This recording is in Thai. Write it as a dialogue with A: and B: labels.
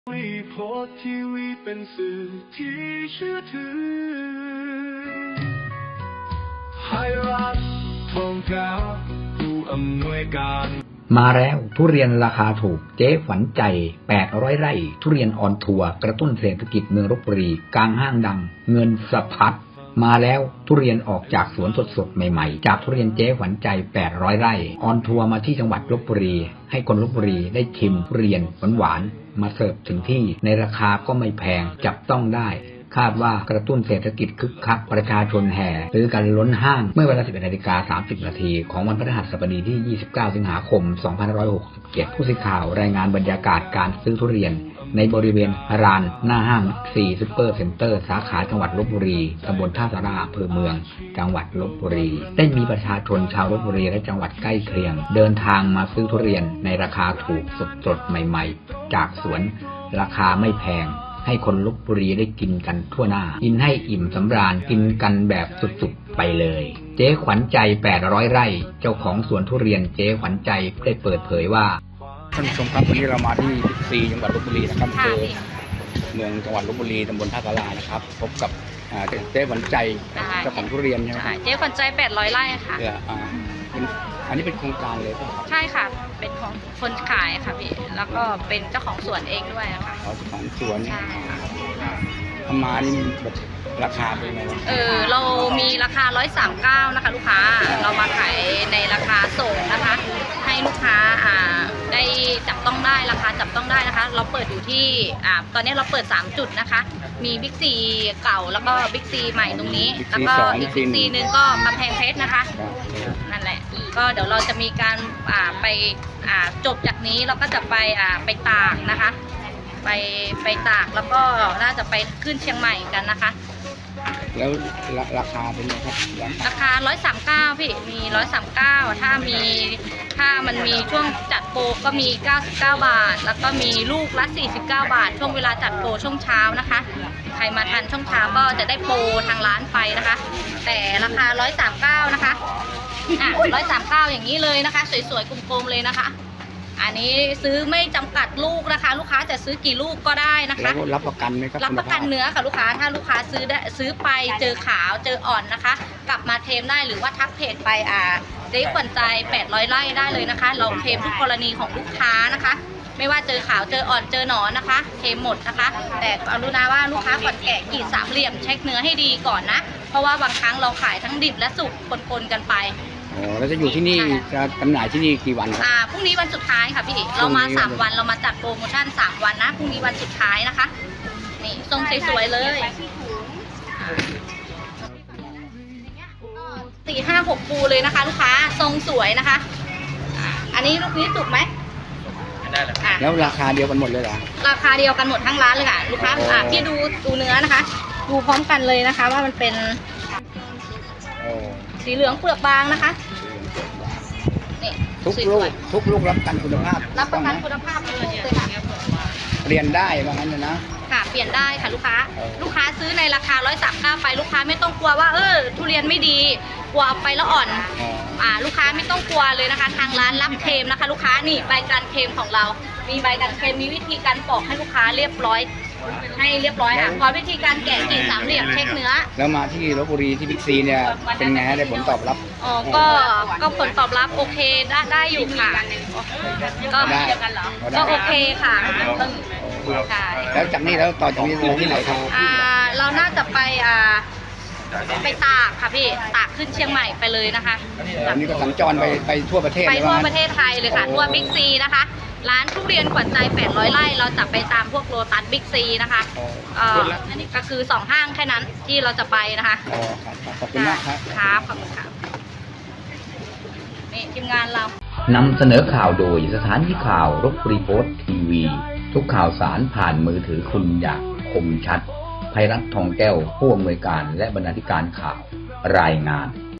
A: วิโพธิ์ทีวีเป็นสื่อที่เชื่อถือให้รัฐทองแก้วผู้อำนวยการ
B: มาแล้วทุเรียนราคาถูกเจ๊ฝันใจ800 ไร่ทุเรียนออนทัวร์กระตุ้นเศรษฐกิจเมืองลพบุรีกลางห้างดังเงินสะพัดมาแล้วทุเรียนออกจากสวนสดๆใหม่ๆจากทุเรียนเจ๊ฝันใจ800 ไร่ออนทัวร์มาที่จังหวัดลพบุรีให้คนลพบุรีได้ชิมทุเรียนหวานๆมาเสิร์ฟถึงที่ในราคาก็ไม่แพงจับต้องได้คาดว่ากระตุ้นเศรษฐกิจคึกคักประชาชนแห่ซื้อกันล้นห้างเมื่อเวลา 11:30 นาทีของวันพฤหัสบดีที่ 29 สิงหาคม 2567 ผู้สื่อข่าวรายงานบรรยากาศการซื้อทุเรียนในบริเวณลานหน้าห้าง4ซุปเปอร์เซ็นเตอร์สาขาจังหวัดลพบุรีตำบลท่าสาราอำเภอเมืองจังหวัดลพบุรีได้มีประชาชนชาวลพบุรีและจังหวัดใกล้เคียงเดินทางมาซื้อทุเรียนในราคาถูกสดๆใหม่ๆจากสวนราคาไม่แพงให้คนลพบุรีได้กินกันทั่วหน้ากินให้อิ่มสำราญกินกันแบบสุดๆไปเลยเจ๊ขวัญใจ800 ไร่เจ้าของสวนทุเรียนเจ๊ขวัญใจได้เปิดเผยว่าท่านผู้ชมครับวันนี้เรามาที่บิ๊กซีจังหวัดลพบุรีนะครับคือเมืองจังหวัดลพบุรีตำบลท่าสารานะครับพบกับเจ๊ขวัญใจเจ้าของทุเรียนใช่ไหมครับ
C: เจ๊ขวัญใจ800 ไร่ค่ะ
B: อันนี้เป็นโครงการเลยป่ะครับ
C: ใช่ค่ะเป็นของคนขายค่ะพี่แล้วก็เป็นเจ้าของสวนเองด้วยค่ะ
B: เจ้าของสวน
C: ใช่ค่ะ
B: ทำมานี่แบบราคาเป็นไงบ้าง
C: เรามีราคา139นะคะลูกค้าเรามาขายในราคาส่งนะคะให้ลูกค้าได้จับต้องได้ราคาจับต้องได้นะคะเราเปิดอยู่ที่ตอนนี้เราเปิด3จุดนะคะมีบิ๊กซีเก่าแล้วก็บิ๊กซีใหม่ตรงนี้แล้วก็อีกบิ๊กซีนึงก็กำแพงเพชรนะคะนั่นแหละก็เดี๋ยวเราจะมีการไปจบจากนี้เราก็จะไปตากนะคะไปตากแล้วก็น่าจะไปขึ้นเชียงใหม่กันนะคะ
B: แล้วราคาเป็นไงครับ
C: ราคา139พี่มี139ถ้ามันมีช่วงจัดโปรก็มี99 บาทแล้วก็มีลูกละ49 บาทช่วงเวลาจัดโปรช่วงเช้านะคะใครมาทันช่วงเช้าก็จะได้โปรทางร้านไปนะคะแต่ราคา139นะคะ139อย่างนี้เลยนะคะสวยๆกลมๆเลยนะคะอันนี้ซื้อไม่จำกัดลูกนะคะลูกค้าจะซื้อกี่ลูกก็ได้นะคะ
B: แล้วรับประกันไหมครับ
C: รับประกันเนื้อค่ะลูกค้าถ้าลูกค้าซื้อไปเจอขาวเจออ่อนนะคะกลับมาเทมได้หรือว่าทักเพจไปเจ๊ขวัญใจ800 ไร่ได้เลยนะคะเราเทมทุกกรณีของลูกค้านะคะไม่ว่าเจอขาวเจออ่อนเจอหนอนนะคะเทมหมดนะคะแต่กรุณาว่าลูกค้าก่อนแกะกรีดสามเหลี่ยมเช็คเนื้อให้ดีก่อนนะเพราะว่าบางครั้งเราขายทั้งดิบและสุกปนๆกันไป
B: เราจะอยู่ที่นี่จะจำหน่ายที่นี่กี่วันครับ
C: พรุ่งนี้วันสุดท้ายค่ะพี่เรามา3 วันเรามาจัดโปรโมชั่น3 วันนะพรุ่งนี้วันสุดท้ายนะคะนี่ทรงสวยๆเลย4 5 6ปูเลยนะคะลูกค้าทรงสวยนะคะอันนี้ลูกนี้สุกไหม
B: แล้วราคาเดียวกันหมดเลยเหรอ
C: ราคาเดียวกันหมดทั้งร้านเลยค่ะลูกค้าพี่ดูเนื้อนะคะดูพร้อมกันเลยนะคะว่ามันเป็นสีเหลืองเปลือกบางนะคะนี่
B: ทุกลูกรับประกันคุณภาพ
C: รับประกันคุณภาพเลยค่ะ
B: เปลี่ยนได้ว่างั้นนะ
C: ค่ะเปลี่ยนได้ค่ะลูกค้าซื้อในราคา139ไปลูกค้าไม่ต้องกลัวว่าทุเรียนไม่ดีกลัวไปแล้วอ่อนลูกค้าไม่ต้องกลัวเลยนะคะทางร้านรับเคลมนะคะลูกค้านี่ใบการเคลมของเรามีใบการเคลมมีวิธีการปอกให้ลูกค้าเรียบร้อยให้เรียบร้อยพอวิธีการแกะกรีดสามเหลี่ยมเช็คเนื้อ
B: แล้วมาที่ลพบุรีที่บิ๊กซีเนี่ยเป็นไงได้ผลตอบรับ
C: ก็ผลตอบรับโอเคได้อยู่ค่ะก็โอเคค่ะ
B: แล้วจากนี้แล้วต่อจากนี้ที่ไหนครับ
C: เราน่าจะไปตากค่ะพี่ตากขึ้นเชียงใหม่ไปเลยนะคะ
B: อันนี้ก็สัญจรไปทั่วประเทศ
C: ไปทั่วประเทศไทยเลยค่ะทั่วบิ๊กซีนะคะร้านทุเรียนขวัญใจ800 ไร่เราจะไปตามพวกโลตัสบิ๊กซีนะคะก็คือ2 ห้างแค่นั้นที่เราจะไปนะคะ
B: ขอบคุณมากครับ
C: ขอบคุณค่ะนี่ทีมงานเรา
B: นำเสนอข่าวโดยสถานีข่าวลพบุรีโพสต์ทีวีทุกข่าวสารผ่านมือถือคุณอย่างคมชัดภัยรัตน์ทองแก้วผู้อำนวยการและบรรณาธิการข่าวรายงาน